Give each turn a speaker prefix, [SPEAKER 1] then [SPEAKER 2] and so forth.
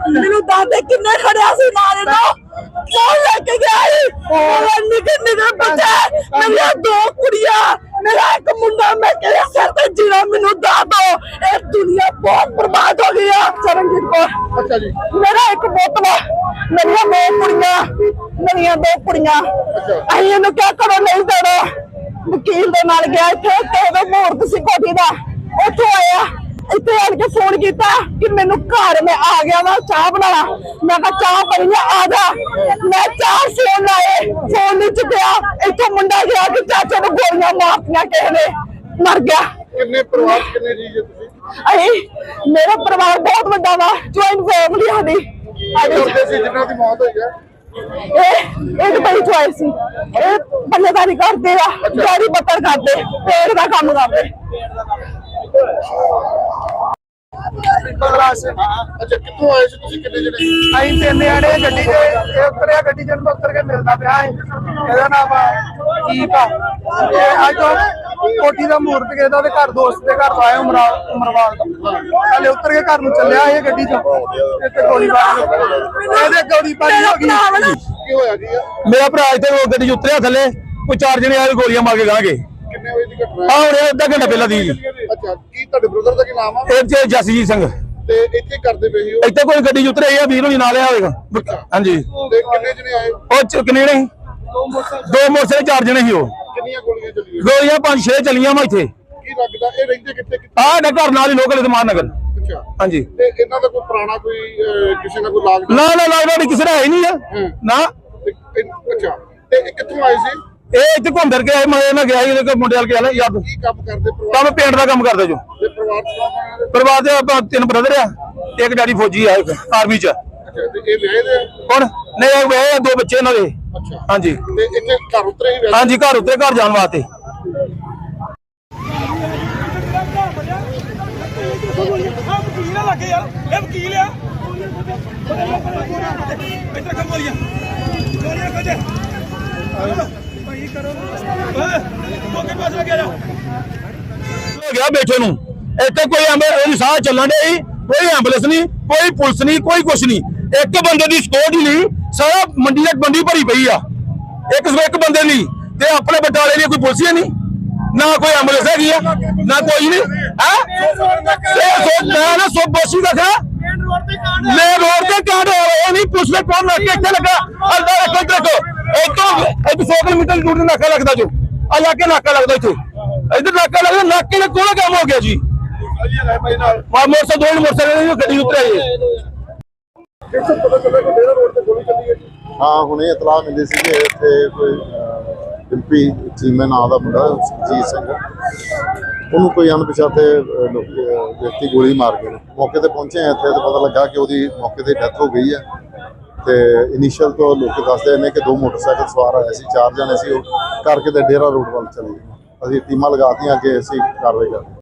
[SPEAKER 1] ਮੈਨੂੰ ਦਾਦੇ ਕਿੰਨੇ ਖੜਿਆ ਸੀ ਨਾਲ ਨੂੰ ਕੌਣ ਲੈ ਕੇ ਗਿਆ ਉਹ ਨਿੱਕੇ ਨਿੱਕੇ ਬੱਚੇ ਮੇਰੀਆਂ 2 ਕੁੜੀਆਂ मेरा एक मुंडा मैं कहया सर ते जीना मेनू दा दो ये दुनिया बहुत बर्बाद हो गई है चरणजीत कौर अच्छा जी मेरा एक बोतला मेरिया 2 कुड़ियां अहीं इहनू क्या करो नहीं देना वकील दे नाल गया इत्थे ते ओदा मुहूर्त सी कोठी दा उत्थों आया इतने आन के फोन किया कि मैनू घर में आ गया वा चाह बना मैं चाह बनी आ जा मैं 4 फोन लाए फोन नहीं चुकया इतों मुंडा गया कि चाचा ने गोलियां मारतियां किसी ने मर गया
[SPEAKER 2] कितने परिवार कितने जी जे तुसी
[SPEAKER 1] मेरा परिवार बहुत बड़ा वा ज्वाइंट फैमिली साडी
[SPEAKER 2] जिन्हां दी मौत होई है
[SPEAKER 1] एक बड़ी चॉइस सी बल्लेदारी करते गाड़ी बत्तर करते पेड़ का काम करते
[SPEAKER 2] अच्छा कितों आए तुसी कितने जने
[SPEAKER 3] ਅਸੀਂ 3 ਜਣੇ ਗੱਡੀ 'ਚ ਇਹ ਉਤਰਿਆ ਗੱਡੀ 'ਚ ਉਤਰ ਕੇ ਮਿਲਦਾ ਪਿਆ ਇਹਦਾ ਨਾਮ ਕੀਪ ਆ ਇਹ ਅੱਜ ਕੋਠੀ ਦਾ ਮੂਰਤ ਕਿਸੇ ਦਾ ਉਹਦੇ ਘਰ ਦੋਸਤ ਦੇ ਘਰ ਆਇਆ ਉਮਰਵਾਲ ਦਾ ਹਲੇ ਉਤਰ ਕੇ ਘਰ ਨੂੰ ਚੱਲਿਆ ਇਹ ਗੱਡੀ 'ਚ ਇੱਥੇ ਗੋਲੀਬਾਰੀ ਇਹਦੇ ਗੋਲੀਬਾਰੀ ਹੋ ਗਈ
[SPEAKER 2] ਕੀ ਹੋਇਆ ਜੀ
[SPEAKER 4] ਮੇਰਾ ਭਰਾ ਇੱਥੇ ਗੱਡੀ 'ਚ ਉਤਰਿਆ ਥੱਲੇ ਕੋਈ 4 ਜਣੇ ਆਏ ਗੋਲੀਆਂ ਮਾਰ ਕੇ ਗਾਂਗੇ
[SPEAKER 2] ਕਿੰਨੇ ਵਜੇ ਦੀ ਘਟਨਾ
[SPEAKER 4] ਆ ਹੁਣ ਅੱਧਾ ਘੰਟਾ ਪਹਿਲਾਂ ਦੀ
[SPEAKER 2] ਅੱਛਾ ਕੀ ਤੁਹਾਡੇ ਬ੍ਰਦਰ ਦਾ ਕੀ ਨਾਮ ਆ
[SPEAKER 4] ਇਹ ਜਸਜੀਤ ਸਿੰਘ
[SPEAKER 2] ਤੇ ਇੱਥੇ ਕਰਦੇ ਪਏ ਸੀ ਉਹ
[SPEAKER 4] ਇੱਥੇ ਕੋਈ ਗੱਡੀ 'ਚ ਉਤਰੇ ਆ ਵੀਰ ਨੂੰ ਨਾਲ ਆਇਆ ਹੋਵੇਗਾ ਹਾਂਜੀ
[SPEAKER 2] ਤੇ ਕਿੰਨੇ ਜਣੇ ਆਏ
[SPEAKER 4] ਉਹ ਕਿੰਨੇ ਨੇ 2 ਮੋਟਰਸਾਈਕਲ 4 ਜਣੇ ਸੀ ਉਹ
[SPEAKER 2] ਕਿੰਨੀਆਂ ਗੋਲੀਆਂ ਚੱਲੀਆਂ
[SPEAKER 4] ਗੋਲੀਆਂ 5-6 ਚੱਲੀਆਂ ਵਾ ਇੱਥੇ
[SPEAKER 2] ਕੀ ਲੱਗਦਾ ਇਹ ਰਹਿੰਦੇ ਕਿੱਥੇ
[SPEAKER 4] ਆਹ ਘਰ ਨਾਲ ਹੀ ਲੋਕਲ ਸਮਾਨ ਨਗਰ
[SPEAKER 2] ਅੱਛਾ
[SPEAKER 4] ਹਾਂਜੀ
[SPEAKER 2] ਤੇ ਇਹਨਾਂ ਦਾ ਕੋਈ ਪੁਰਾਣਾ ਕੋਈ ਕਿਸੇ ਨਾਲ ਕੋਈ ਲਾਗ
[SPEAKER 4] ਨਾ ਲੱਗਦਾ ਕਿਸੇ ਦਾ ਹੈ ਨਹੀਂ ਆ ਨਾ
[SPEAKER 2] ਅੱਛਾ ਤੇ ਇਹ ਕਿੱਥੋਂ ਆਏ ਸੀ
[SPEAKER 4] ਇਹ ਇੱਥੇ ਘੁੰਮ ਫਿਰ ਕੇ ਆਏ ਮੈਂ ਇਹਨਾਂ ਗਿਆ ਇਹਦੇ ਮੁੰਡੇ ਵਾਲ ਕੇ ਯਾਦ
[SPEAKER 2] ਕੀ ਕੰਮ ਕਰਦੇ ਪਰਿਵਾਰ
[SPEAKER 4] ਕੰਮ ਪੇਂਟ ਦਾ ਕੰਮ ਕਰਦੇ ਜੋ
[SPEAKER 2] ਦੇ ਪਰਿਵਾਰ ਚ ਕੌਣ ਕੌਣ ਹੈ?
[SPEAKER 4] ਪਰਿਵਾਰ ਦੇ ਆਪਾਂ 3 ਬ੍ਰਦਰ ਆ ਇੱਕ ਡੈਡੀ ਫੌਜੀ ਆ ਆਰਮੀ 'ਚ
[SPEAKER 2] ਅੱਛਾ ਤੇ ਇਹ ਵਿਆਹੇ ਦੇ
[SPEAKER 4] ਹੁਣ ਨਹੀਂ ਇਹ ਵਿਆਹੇ ਆ 2 ਬੱਚੇ ਇਹਨਾਂ ਦੇ
[SPEAKER 2] ਅੱਛਾ
[SPEAKER 4] ਹਾਂਜੀ
[SPEAKER 2] ਤੇ ਇੱਥੇ ਘਰ ਉਤਰੇ ਹੀ ਵੈਸੇ
[SPEAKER 4] ਹਾਂਜੀ ਘਰ ਉੱਤੇ ਘਰ ਜਾਣ ਵਾਸਤੇ
[SPEAKER 5] ਵਕੀਲ ਆ ਲੱਗੇ ਯਾਰ ਇਹ ਵਕੀਲ ਆ ਇੱਧਰ ਕੰਮ ਵਾਲੀਆਂ ਗੋਲੀਆਂ ਕੱਢ ਭਾਈ ਕਰੋ ਮੋਕੇ ਪਾਸ ਲੱਗਿਆ ਜਾ
[SPEAKER 4] ਹੋ ਗਿਆ ਬੈਠੇ ਨੂੰ ਇੱਥੇ ਕੋਈ ਐਂਬੂਲੈਂਸ ਸਾਹ ਚੱਲਣ ਦੇ ਕੋਈ ਐਂਬੂਲੈਂਸ ਨਹੀਂ ਕੋਈ ਪੁਲਿਸ ਨਹੀਂ ਕੋਈ ਕੁਛ ਨਹੀਂ ਇੱਕ ਬੰਦੇ ਦੀ ਸਕਿਉਰਟੀ ਲਈ ਸਾਰਾ ਮੰਡੀ ਦੀ ਬੰਦੀ ਭਰੀ ਪਈ ਆ ਇੱਕ ਬੰਦੇ ਲਈ ਤੇ ਆਪਣੇ ਬਟਾਲੇ ਲਈ ਕੋਈ ਪੁਲਿਸ ਹੀ ਨਹੀਂ ਨਾ ਕੋਈ ਐਂਬੂਲੈਂਸ ਹੈਗੀ ਆ ਨਾ ਕੋਈ ਨਹੀਂ ਹੈ ਨਾ ਸੋ ਬੋਸੀ ਦਾ ਮੇਨ ਰੋਡ ਤੇ ਕਾਂਡ ਹੋ ਰਿਹਾ ਨਹੀਂ ਪੁਲਿਸ ਨੇ ਕੌਣ ਲੱਗ ਕੇ ਇੱਥੇ ਲੱਗਾ ਅੱਲਾ ਰੱਖੋ ਇੱਥੋਂ 100 ਕਿਲੋਮੀਟਰ ਦੂਰ ਨਾਕਾ ਲੱਗਦਾ ਜੋ ਆ ਜਾ ਕੇ ਨਾਕਾ ਲੱਗਦਾ ਇੱਥੇ ਇੱਧਰ ਨਾਕਾ ਲੱਗਦਾ ਨਾਕੇ ਨਾਲ ਕੋਲ ਕੰਮ ਹੋ ਗਿਆ ਜੀ ਮੋਟਰਸਾਈਕਲ ਗੱਡੀ ਉਤਰਿਆ ਜੀ
[SPEAKER 2] ਪਤਾ ਚੱਲਿਆ ਕਿ ਡੇਰਾ ਰੋਡ ਤੇ ਗੋਲੀ ਚੱਲੀ ਹੈ ਜੀ
[SPEAKER 6] ਹਾਂ ਹੁਣੇ ਇਤਲਾਹ ਮਿਲੀ ਸੀ ਕਿ ਇੱਥੇ ਕੋਈ ਡਿੰਪੀ ਚੀਮੇ ਨਾਂ ਦਾ ਮੁੰਡਾ ਜੀਤ ਸਿੰਘ ਉਹਨੂੰ ਕੋਈ ਅਣਪਛਾਤੇ ਵਿਅਕਤੀ ਗੋਲੀ ਮਾਰ ਗਏ ਮੌਕੇ ਤੇ ਪਹੁੰਚੇ ਆ ਇੱਥੇ ਤੇ ਪਤਾ ਲੱਗਾ ਕਿ ਉਹਦੀ ਮੌਕੇ ਤੇ ਡੈਥ ਹੋ ਗਈ ਹੈ ਤੇ ਇਨੀਸ਼ੀਅਲ ਤੋਂ ਲੋਕ ਦੱਸਦੇ ਨੇ ਕਿ 2 ਮੋਟਰਸਾਈਕਲ ਸਵਾਰ ਆਏ ਸੀ 4 ਜਣੇ ਸੀ ਉਹ ਕਰਕੇ ਤੇ ਡੇਰਾ ਰੋਡ ਵੱਲ ਚਲੇ ਗਏ ਅਸੀਂ ਟੀਮਾਂ ਲਗਾਤੀਆਂ ਕਿ ਅਸੀਂ ਕਾਰਵਾਈ ਕਰਦੇ